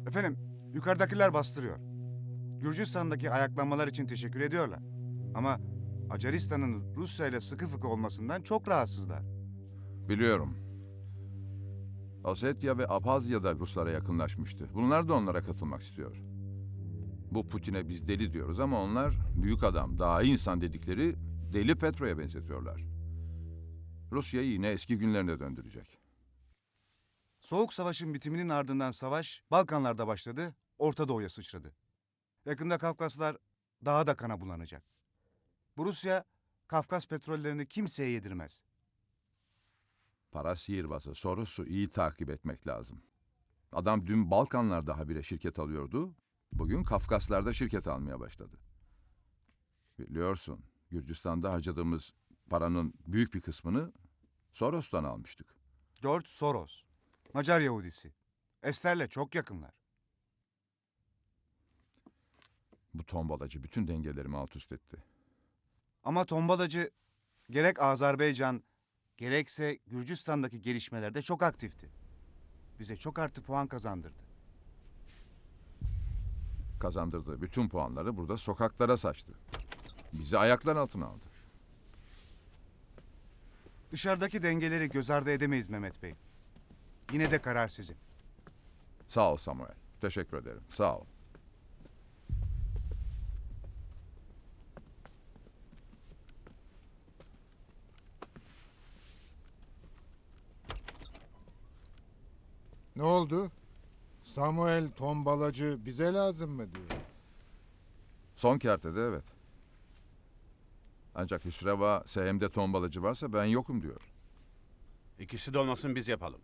Efendim, yukarıdakiler bastırıyor. Gürcistan'daki ayaklanmalar için teşekkür ediyorlar. Ama Macaristan'ın Rusya ile sıkı fıkı olmasından çok rahatsızlar. Biliyorum. Ossetya ve Abhazya da Ruslara yakınlaşmıştı. Bunlar da onlara katılmak istiyor. Bu Putin'e biz deli diyoruz ama onlar büyük adam, daha iyi insan dedikleri deli Petro'ya benzetiyorlar. Rusya'yı yine eski günlerine döndürecek. Soğuk Savaş'ın bitiminin ardından savaş Balkanlarda başladı, Orta Doğu'ya sıçradı. Yakında Kafkaslar daha da kana bulanacak. Bu Rusya, Kafkas petrollerini kimseye yedirmez. Para sihirbazı Soros'u iyi takip etmek lazım. Adam dün Balkanlarda habire şirket alıyordu, bugün Kafkaslar'da şirket almaya başladı. Biliyorsun, Gürcistan'da harcadığımız paranın büyük bir kısmını Soros'tan almıştık. George Soros, Macar Yahudisi. Ester'le çok yakınlar. Bu tombalacı bütün dengelerimi alt üst etti. Ama tombalacı gerek Azerbaycan, gerekse Gürcistan'daki gelişmelerde çok aktifti. Bize çok artı puan kazandırdı. Kazandırdığı bütün puanları burada sokaklara saçtı. Bizi ayaklar altına aldı. Dışarıdaki dengeleri göz ardı edemeyiz Mehmet Bey. Yine de karar sizin. Sağ ol Samuel. Teşekkür ederim. Sağ ol. Ne oldu? Samuel tombalacı bize lazım mı diyor. Son kertede evet. Ancak Hüsreva SM'de tombalacı varsa ben yokum diyor. İkisi de olmasın biz yapalım.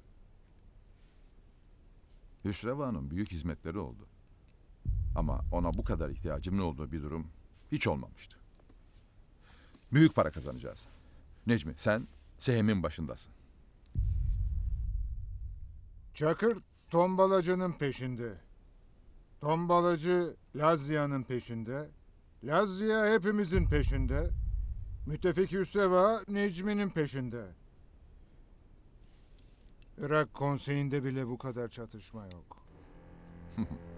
Hüsreva'nın büyük hizmetleri oldu. Ama ona bu kadar ihtiyacımın olduğu bir durum hiç olmamıştı. Büyük para kazanacağız. Necmi sen SM'in başındasın. Çakır tombalacının peşinde. Tombalacı Lazya'nın peşinde. Lazya hepimizin peşinde. Müttefik Hüseva Necmi'nin peşinde. Irak konseyinde bile bu kadar çatışma yok.